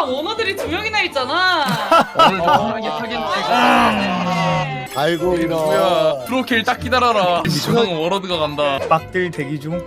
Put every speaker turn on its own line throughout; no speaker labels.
원어들이 2명이나 있잖아.
오늘 편하게 타겠네.
아이고
누구야? 프로킬 딱 기다려라. 이주강 워러드가 간다.
빡들 대기 중.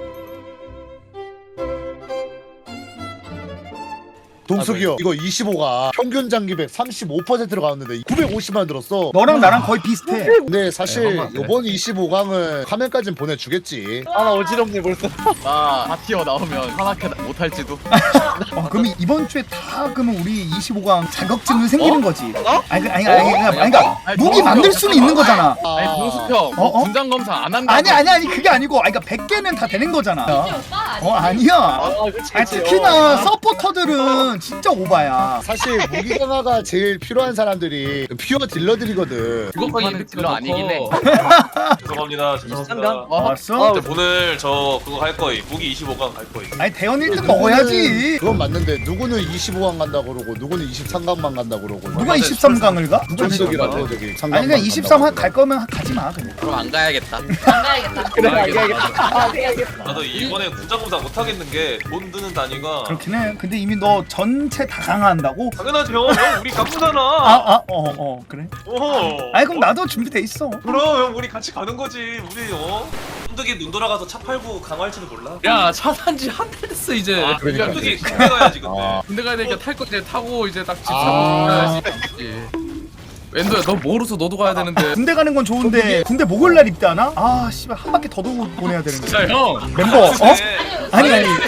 동숙이 형 이거 25가 평균 장기백 35%로 가는데 950만 들었어.
너랑 나랑 거의 비슷해.
근데 사실 이번 25강은 화면까진 보내주겠지.
나 어지럽네 벌써.
나 바티어 나오면 하나케 못할지도.
그러면 이번 주에 다 그러면 우리 25강 자격증은 생기는 거지.
어?
그러니까 무기 만들 수는 있는 거잖아.
아니 동숙형
어?
분장 검사 안 한다.
아니 그게 아니고 그러니까 100개는 다 되는 거잖아.
오빠
아니야.
그치.
특히나 서포터들은 진짜 오바야.
사실 무기 강화가 제일 필요한 사람들이 퓨어 딜러들이거든.
그것까지 딜러 아니긴 해.
죄송합니다. 죄송합니다.
알았어?
근데 오늘 저 그거 할 거임. 무기 25강 갈 거임.
아니 대원 1등 먹어야지.
그건 맞는데 누구는 25강 간다 그러고 누구는 23강만 간다 그러고.
누가 23강을 가?
동숙이라고 저기.
아니 그냥 23 갈 거면 가지 마 그냥.
그럼 안 가야겠다.
안 가야겠다.
그래 알겠다.
나도 이번에 군장검사 못 하겠는 게 돈 드는 단위가.
그렇긴 해. 근데 이미 너 전체 다 강화한다고?
당연하지 형. 형 우리 가꾸잖아.
그래.
어.
아니 그럼 나도 준비돼 있어.
그럼 형 우리 같이 가는 거지. 우리 쫀득이 눈 돌아가서 차 팔고 강화할지도 몰라.
야, 차 산지 한 달 됐어 이제.
그러니까.
쫀득이 군대 가야지 근데.
군대 가야 되니까 탈 거 이제 타고 이제 딱 집
아.
사고 가야지. 웬도야, 너 모르서 너도 가야 되는데.
군대 가는 건 좋은데 군대 목요일 날 입대하나? 아 씨발 한 바퀴 더 돌고 보내야 되는데.
자, 형.
멤버 아니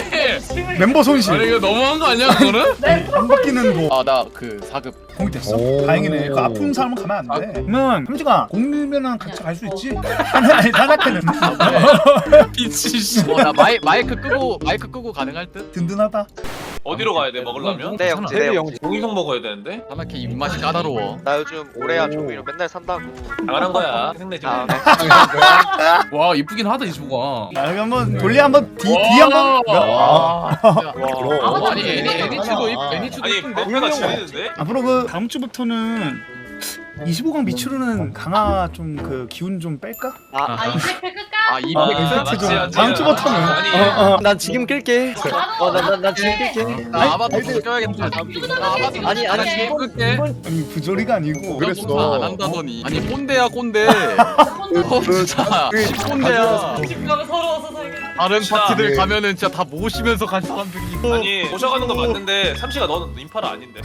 멤버 손실.
아니 이거 너무한 거 아니야 그거는?
한 바퀴는 뭐
나 그 4급.
공익됐어?
오.
다행이네. 그 아픈 사람은 가면 안 돼. 그러면 삼지가 공유면은 같이 갈 수 있지? 아니 사자캐는
미치 씨.
나 마이크 끄고 가능할 듯?
든든하다.
어디로 가야 돼 먹으려면?
네 형제 네 형제.
공이성 먹어야 되는데.
하나케 입맛이 까다로워.
나 요즘 오래야 종이로 맨날 산다고.
당연한 거야. 생내지 마.
와 이쁘긴 하다 이 친구가.
자 여기 한번 돌리 한번 뒤 한번.
그럼.
아니 애니츠도 애니츠도
아니
이쁜데.
멍게가 지리는데?
앞으로 그 다음 주부터는 25강 미추루는 강화 좀 그 기운 좀 뺄까?
아 이제 끌까?
아 이펙트?
맞지,
좀
맞지.
다음 주부터는.
아니,
난 지금 끌게. 난 지금 끌게.
나 아바타 껴야겠다.
아니
나 지금 끌게.
아니 부조리가 아니고.
그랬어.
안 한다더니. 아니 꼰대야 꼰대.
그
진짜 꼰대야.
집가면 서러워서 살겠다.
다른
진짜.
파티들 가면은 진짜 다 모시면서 간 사람들이.
아니 모셔가는 건 맞는데 삼시가 너는 인파라 아닌데.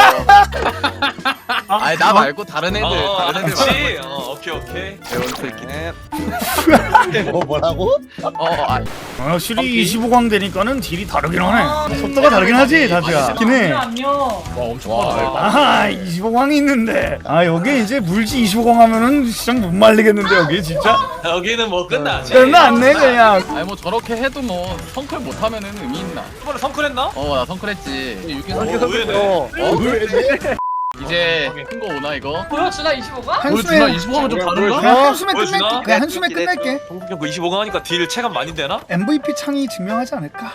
아니 나 말고 다른 애들. 다른 애들.
그렇지. 오케이.
대원 새끼네.
뭐라고?
확실히 25강 되니까는 딜이 다르긴 하네. 속도가 다르긴 하지 다드야. 있긴 해.
안녕.
와 엄청 많아.
아하 25강이 있는데 여기 이제 물지 25강 하면은 시장 못 말리겠는데 여기 진짜
여기는 뭐 끝나지.
끝났네 그냥.
아니 뭐 저렇게 해도 뭐 성클 못하면은 의미 있나?
이번에 성클했나?
나 성클했지.
의외네.
이제 큰 거 오나 이거?
보여주나 25가?
한숨에
25강은 좀 다른가?
한숨에
보여주나?
끝낼게. 그냥 한숨에 끝낼게.
동국형 그 25강 하니까 딜 체감 많이 되나?
MVP 창이 증명하지 않을까?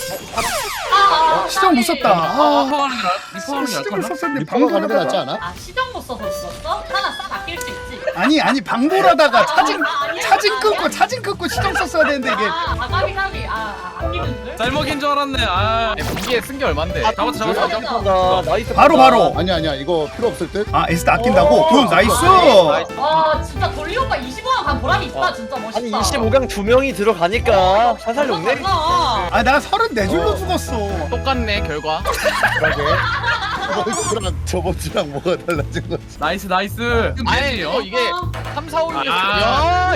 시정 못 썼다. 시정을 썼었는데
리퍼가 가는 게 낫지
방도하다가
않아?
아 시정 못 써서 썼어? 하나 싹 아낄 수 있지.
아니 방도하다가 차징 끊고 시정 썼어야 되는데 이게
가비 아끼는 줄?
쌀먹인 줄 알았네. 아.
무기에 쓴 게 얼만데?
잡았어.
나이스.
바로
아니야 이거 필요 없을 듯.
에스트 아낀다고? 굿 나이스.
와 진짜 돌리 오빠 25강 간 보람이 있다. 진짜 멋있다.
아니 25강 2명이 들어가니까 살살 녹네.
달라.
나 34줄로 죽었어.
똑같네 결과.
그러게. 저번 주랑 뭐가 달라진 거지?
나이스.
아니 이게 3, 4, 5, 6이었어.
아.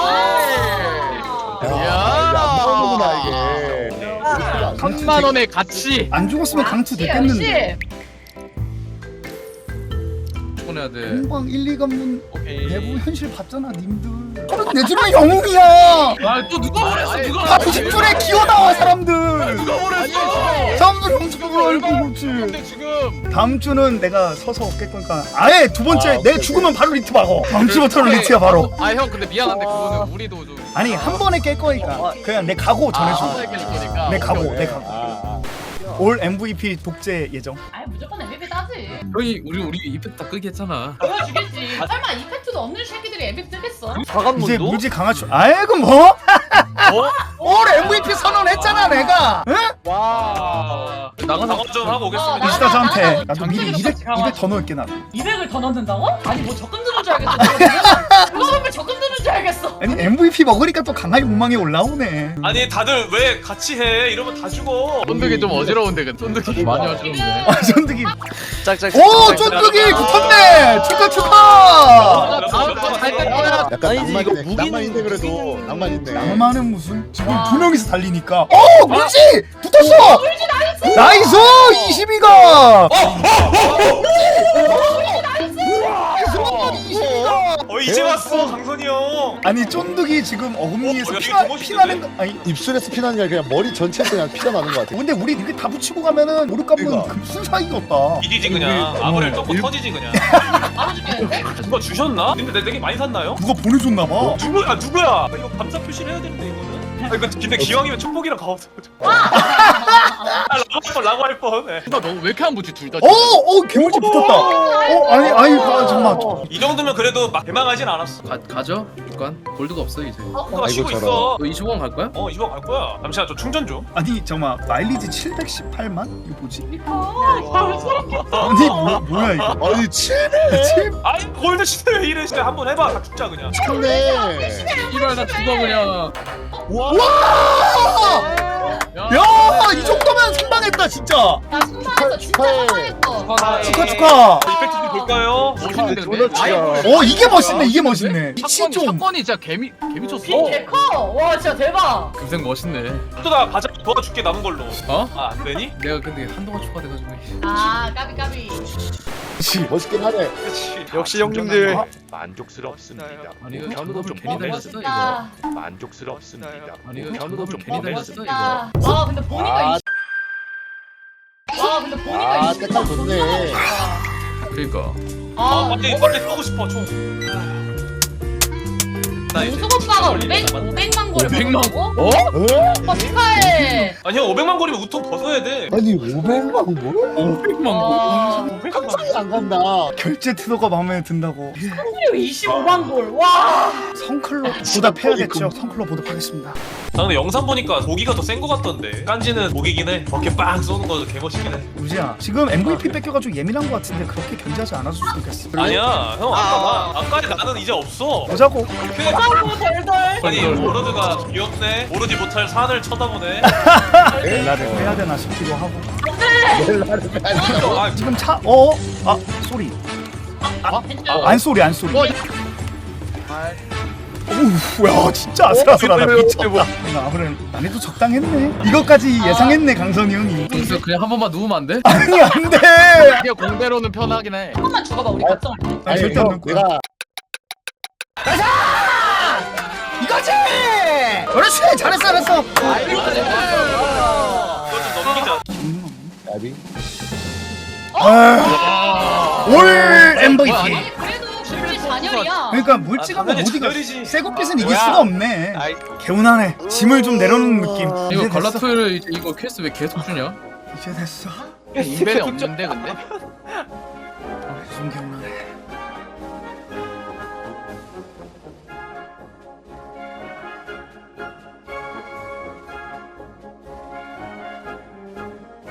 이게 안 나오는구나 이게.
3만 원의 가치.
안 죽었으면 강투 됐겠는데.
해야 돼.
공방 1, 2관문
오케이.
내부 현실 봤잖아 님들. 34줄은 영웅이야.
아또 누가 보냈어? 누가?
다 90줄에 기어나와 사람들.
누가 보냈어?
사람들 영수증을 알고 그렇지.
근데 지금
다음 주는 내가 서서 깰 거니까 아예 두 번째 내 죽으면 바로 리트 박어. 다음 주부터는 리트야 바로.
형 근데 미안한데 그거는 우리도 좀
아니 한 번에 깰 거니까 그냥 내 각오 전해줘.
깰 거니까.
내 각오
오케이,
내
오케이.
각오. 올 MVP 독재 예정.
아니 무조건 MVP 따지.
형이 우리 이펙트 다 끄기 했잖아.
보여주겠지. 설마 이펙트도 없는 새끼들이 MVP 뜨겠어?
이제
4관문도?
무지 강화출. 아이고 뭐? 올 MVP 선언했잖아 내가. 응?
와.
나가서
방어 좀 하고 오겠습니다.
이스타 저한테
나가서
나도 미리
장기를
200 더 넣을게 나.
200을 더 넣는다고? 아니 뭐 적금 드는 줄 알겠어. 그거 보면 적금 드는 줄 알겠어.
아니 MVP 먹으니까 또 강하게 욕망이 올라오네.
아니 다들 왜 같이 해? 이러면 다 죽어.
쫀득이 좀 어지러운데 근데 쫀득이 많이 어지러운데.
아 쫀득이.
짝짝.
오 쫀득이 붙었네. 축하.
약간
아니지, 이거
낭만이네. 낭만인데 그래도 낭만인데.
낭만은 무슨 지금
와.
두 명이서 달리니까. 물지 붙었어. 나이스 22가.
이제 왔어 강선이 형.
아니 쫀득이 지금 어금니에서
여기
피나
너무
피나는 거 아니.
입술에서 피나는 게 아니라 그냥 머리 전체에서 그냥 피가 나는 것 같아.
근데 우리 이게 다 붙이고 가면은 우리 값은
그러니까.
금순 사이가 없다.
이디지 그냥 아무래도 똥꼬
일-
터지지 그냥.
바로 죽겠는데?
누가 주셨나? 근데 되게 많이 샀나요?
누가 보내줬나 봐.
누구야? 이거 감사 표시를 해야 되는데 이거는. 이거 근데 기왕이면 축복이랑 가없어. 라고 할 뻔. 네.
너 왜 이렇게 안 붙지 둘 다?
개물지 붙었다. 아니 잠깐만.
이 정도면 그래도 막 대망하진 않았어.
가죠? 일단 골드가 없어 이제.
뭔가 쉬고
아이고,
있어.
너 25원 갈 거야?
이거 갈 거야. 잠시만 저 충전 좀.
아니 잠깐만 마일리지 718만? 이거 뭐지?
아,
아니 뭐야 이거?
아니 칠
아이 골드 시대 왜 이래? 진짜 한번 해봐. 다 죽자 그냥.
네
이발 나 죽어 그냥.
야이 정도면 선방했다 진짜.
나 순간에서 진짜 사망했어.
축하.
이펙트 좀 볼까요?
멋있는데 근데?
이게 멋있네 이게 멋있네. 미치 좀.
사건이 진짜 개미 쳤어.
빈 개커. 와 진짜 대박.
금생 멋있네.
또 나 가자 도와줄게 남은 걸로.
어?
아 안 되니?
내가 근데 한동안 추가돼가지고.
아 까비.
멋있긴 하네.
그렇지.
역시 형님들.
만족스럽습니다.
아니 이거
견우도
견우도
좀
괜히
먹네.
달렸어 이거.
아,
만족스럽습니다.
아니 이거
견우도
견우도
좀
괜히
먹네.
달렸어 이거.
와 근데 보니까 근데 보니까
아,
20만
색깔 좋네.
그러니까.
아 빨리 쏘고 싶어 총. 나 이제
우승 오빠가 500만 골을
500만
먹었다고?
에?
오빠 축하해.
아니 형 500만 골이면 우통 벗어야 돼.
아니 500만 뭐?
500만
와.
상상이 안 간다.
결제 태도가 마음에 든다고.
그리고 25만 골. 와.
성클럽 보답해야겠죠. 성클럽 보답하겠습니다.
나 근데 영상 보니까 보기가 더 센 거 같던데. 깐지는 보기긴 해. 어깨 빵 쏘는 거 개멋있긴 해.
우지야 지금 MVP 뺏겨가지고 예민한 거 같은데 그렇게 견제하지 않았을 수도 있겠어.
아니야 형 아까 나는 이제 없어.
보자고.
아이고 덜덜.
아니 오로드가 귀엽네. 오르지 못할 산을 쳐다보네.
벨라를 빼야 되나 싶기도 하고.
아,
지금 소리. 안 소리. 오우, 야 진짜 아슬아슬하다 미쳤다. 나 아무래도 난이도 적당했네. 이것까지 예상했네 강선이 형이.
그래서 그냥 한 번만 누우면 안 돼?
아니 안돼.
이게 공대로는 편하긴 해.
한 번만 죽어봐 우리 각성할 때.
아니 절대 안 넣을 거야.
내가
이거지. 그렇지 잘했어.
이거 좀 넘기자.
나비
올 MVP.
아니 그래도 실제 잔열이야.
그러니까 물지가 뭐
당연히
어디가
잔열이지.
쇠고빛은 이길 수가 없네. 개운하네. 짐을 좀 내려놓는 느낌.
이거
이제 됐어.
갈라토를 이제 이거 퀘스트 왜 계속 주냐?
이제 됐어.
인벤이 없는데 근데?
좀 개운하네.